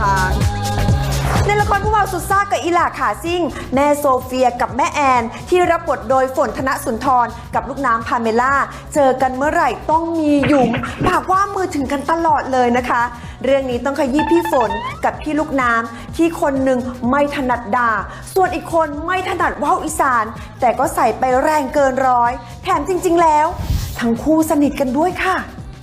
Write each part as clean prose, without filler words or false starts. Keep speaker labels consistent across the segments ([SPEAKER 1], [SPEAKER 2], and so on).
[SPEAKER 1] ช้างในละครผู้บ่าวสุดซ่ากับอีหล่าขาซิ่งแม่โซเฟียกับแม่แอนที่รับบทโดยฝนธนสุนทรกับลูกน้ำพาเมล่าเจอกันเมื่อไหร่ต้องมีหยุมปากว่ามือถึงกันตลอดเลยนะคะเรื่องนี้ต้องขยี้พี่ฝนกับพี่ลูกน้ำที่คนหนึ่งไม่ถนัดด่าส่วนอีกคนไม่ถนัดว่าวอีสานแต่ก็ใส่ไปแรงเกินร้อยแถมจริงๆแล้วทั้งคู่สนิทกันด้วยค่ะ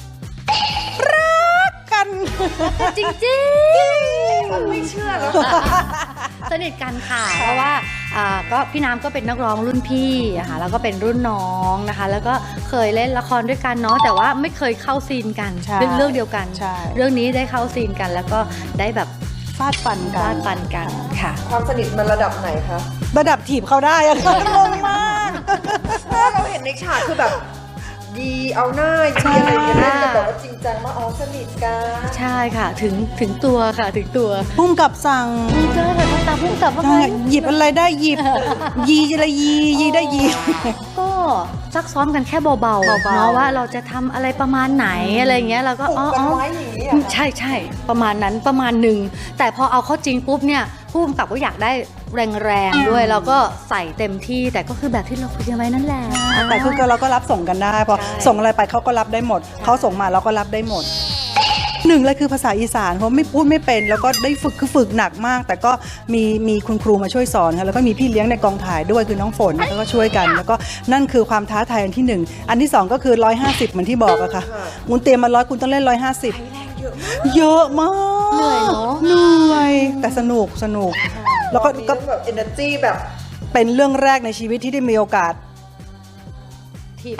[SPEAKER 2] จริงๆ
[SPEAKER 1] ไม่เชื่อแล้ว
[SPEAKER 2] สนิทกันค่ะเพราะว่าก็พี่น้ำก็เป็นนักร้องรุ่นพี่ค่ะแล้วก็เป็นรุ่นน้องนะคะแล้วก็เคยเล่นละครด้วยกันเนาะแต่ว่าไม่เคยเข้าซีนกันเรื่องเดียวกันเรื่องนี้ได้เข้าซีนกันแล้วก็ได้แบบ
[SPEAKER 3] ฟาดฟัน
[SPEAKER 2] กันค่ะ
[SPEAKER 1] ความสนิทมันระดับไหนคะ
[SPEAKER 3] ระดับถีบเขาได้อะงงมาก
[SPEAKER 1] เราเห็นในฉากคือแบบดีเอาหน้าดีอะไรอย่างเงี้ยแต่แบบว่าจริงจังว่าอ๋อสนิทกัน
[SPEAKER 2] ใช่ค่ะถึงตัวค่ะถึงตัว
[SPEAKER 3] พุ่มกับสั่ง
[SPEAKER 2] เจอแต่ตาพุ่มกับว่า
[SPEAKER 3] หยิบอะไรได้หยิบยีอะไรยีได้ยี
[SPEAKER 2] ก็ซักซ้อมกันแค่เบาๆเนาะว่าเราจะทำอะไรประมาณไหนอะไรเงี้ยเราก็ใช่ประมาณนั้นประมาณหนึ่งแต่พอเอาเข้าจริงปุ๊บเนี่ยผู้กำกับก็อยากได้แรงๆด้วยแล้วก็ใส่เต็มที่แต่ก็คือแบบที่เราคุยกันไว้นั่นแหละ
[SPEAKER 3] แต่คือเราก็รับส่งกันได้พอส่งอะไรไปเขาก็รับได้หมดเขาส่งมาเราก็รับได้หมดหนึ่งเลยคือภาษาอีสานเพราะไม่พูดไม่เป็นแล้วก็ได้ฝึกหนักมากแต่ก็มีคุณครูมาช่วยสอนค่ะแล้วก็มีพี่เลี้ยงในกองถ่ายด้วยคือน้องฝนแล้วก็ช่วยกันแล้วก็นั่นคือความท้าทายอันที่หนึ่งอันที่สองก็คือ150เหมือนที่บอกอะค่ะคุณเตรียมมา100คุณต้องเล่น150เยอะมาก
[SPEAKER 2] เหนื่อยเนาะ
[SPEAKER 3] เหนื่อยแต่สนุกแล้วก็
[SPEAKER 1] แบบ energy แบบ
[SPEAKER 3] เป็นเรื่องแรกในชีวิตที่ได้มีโอกาส
[SPEAKER 2] ที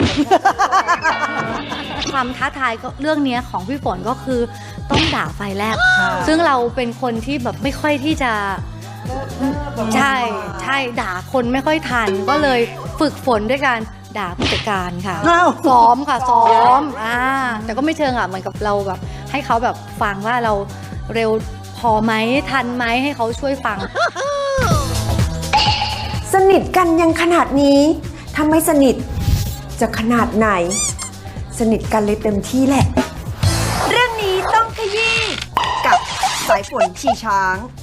[SPEAKER 2] ความท้าทายก็เรื่องนี้ของพี่ฝนก็คือต้องด่าไฟแลบซึ่งเราเป็นคนที่แบบไม่ค่อยที่จะใช่ด่าคนไม่ค่อยทันก็เลยฝึกฝนด้วยการด่าผู้จัดการค่ะซ้อมแต่ก็ไม่เชิงเหมือนกับเราแบบให้เขาแบบฟังว่าเราเร็วพอไหมทันไหมให้เขาช่วยฟัง
[SPEAKER 1] สนิทกันยังขนาดนี้ถ้าไม่สนิทจะขนาดไหนสนิทกันเลยเต็มที่แหละเรื่องนี้ต้องขยี้กับสายฝนขี่ช้าง